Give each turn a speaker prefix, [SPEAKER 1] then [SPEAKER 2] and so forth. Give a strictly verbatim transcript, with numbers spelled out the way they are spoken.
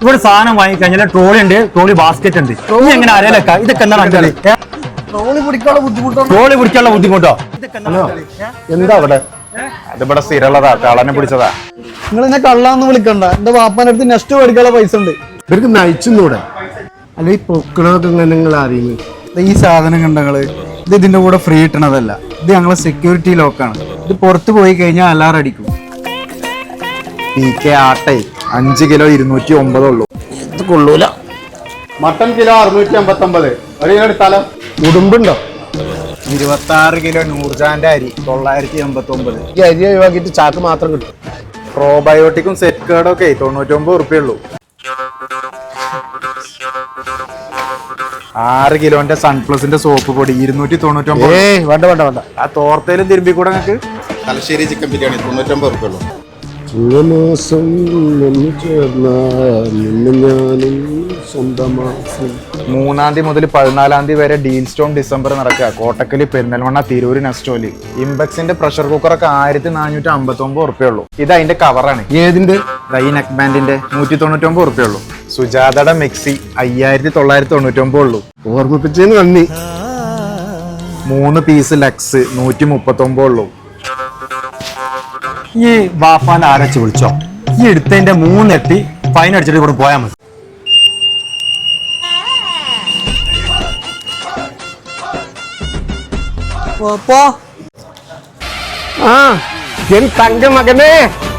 [SPEAKER 1] ഇവിടെ സാധനം വാങ്ങിക്കഴിഞ്ഞാൽ ട്രോളി ഉണ്ട്, ട്രോളി ബാസ്കറ്റ് ഉണ്ട്. നീ എങ്ങനെ അറിയാലൊക്കെ ഇതൊക്കെ എന്താണ്
[SPEAKER 2] ട്രോളി പിടിക്കാനുള്ള ബുദ്ധിമുട്ടോ?
[SPEAKER 1] ട്രോളി പിടിക്കാനുള്ള ബുദ്ധിമുട്ടോ?
[SPEAKER 3] എന്താ അവിടെ? അതിവിടെ സ്ഥിരമുള്ളതാ, കള്ളനെ പിടിച്ചതാ.
[SPEAKER 2] നിങ്ങൾ എന്നെ കള്ളാന്ന് വിളിക്കണ്ട. എന്റെ വാപ്പാന്റെ അടുത്ത് നെക്സ്റ്റ് മേടിക്കാനുള്ള പൈസ ഉണ്ട്.
[SPEAKER 3] ഇവർക്ക് നയിച്ചൂടെ? അല്ല ഈ പൊക്കണതൊക്കെ ഇങ്ങനെ നിങ്ങൾ അറിയുന്നത്?
[SPEAKER 2] ഈ സാധനം കണ്ടങ്ങള് ഇത് ഇതിന്റെ കൂടെ ഫ്രീ ഇട്ടണതല്ല. ഇത് ഞങ്ങളെ സെക്യൂരിറ്റി ലോക്കാണ്. ഇത് പുറത്ത് പോയി കഴിഞ്ഞാൽ അലാറം അടിക്കും.
[SPEAKER 3] പി കെ ആട്ടെ അഞ്ച് കിലോ ഇരുന്നൂറ്റി ഒമ്പതുള്ളൂ. ഇത് കൊള്ളൂല. മട്ടൻ കിലോ അറുന്നൂറ്റി അമ്പത്തി ഒമ്പത്. ഒരു കിലോ എടുത്താലോ? ഉടുമ്പുണ്ടോ? ഇരുപത്തി ആറ് കിലോ നൂർജാന്റെ അരി തൊള്ളായിരത്തി എൺപത്തി ഒമ്പത്. ഈ അരി ഒഴിവാക്കിയിട്ട് ചാക്ക് മാത്രം കിട്ടും. പ്രോബയോട്ടിക്കും സെറ്റ് കേർഡും ഒക്കെ തൊണ്ണൂറ്റി ഒമ്പത് ഉറുപ്പേ ഉള്ളൂ. ആറ് കിലോന്റെ സൺപ്ലസിന്റെ സോപ്പ് പൊടി ഇരുന്നൂറ്റി തൊണ്ണൂറ്റി ഒമ്പത്. ഏ വേണ്ട വേണ്ട വേണ്ട. ആ തോർത്തേലും തിരുമ്പി കൂടെ നിങ്ങൾക്ക് തലശ്ശേരി ചിക്കൻ ബിരിയാണി തൊണ്ണൂറ്റി ഒമ്പത് ഉറുപ്പേ ഉള്ളൂ. മൂന്നാം തീയതി മുതൽ പതിനാലാം തീയതി വരെ ഡീൽ സ്റ്റോൺ ഡിസംബർ നടക്കുക. കോട്ടക്കല്, പെരിന്തൽമണ്ണ, തിരൂര്, നെസ്റ്റോലി. ഇംബെക്സിന്റെ പ്രഷർ കുക്കറൊക്കെ ആയിരത്തി നാനൂറ്റി അമ്പത്തി ഒമ്പത് ഉറുപ്പേ ഉള്ളൂ. ഇത് അതിന്റെ കവറാണ്. ഏതിന്റെ? ഈ നെക്ക് ബാൻഡിന്റെ നൂറ്റി തൊണ്ണൂറ്റി ഒമ്പത് ഉറുപ്പേ ഉള്ളൂ. സുജാതയുടെ മിക്സി അയ്യായിരത്തി തൊള്ളായിരത്തി തൊണ്ണൂറ്റി ഒമ്പത് ഉള്ളൂ. ഓർമ്മിപ്പിച്ചതിന് നന്ദി. മൂന്ന് പീസ് ലക്സ് നൂറ്റി മുപ്പത്തി ഒമ്പത് ഉള്ളൂ.
[SPEAKER 1] ഈ വാപ്പാൻ ആരച്ച് വിളിച്ചോ? ഈ എടുത്തതിന്റെ മൂന്നെട്ടി ഫൈൻ അടിച്ചിട്ട് ഇവിടെ പോയാൽ മതി.
[SPEAKER 3] ആ എൻ തങ്ക മകനെ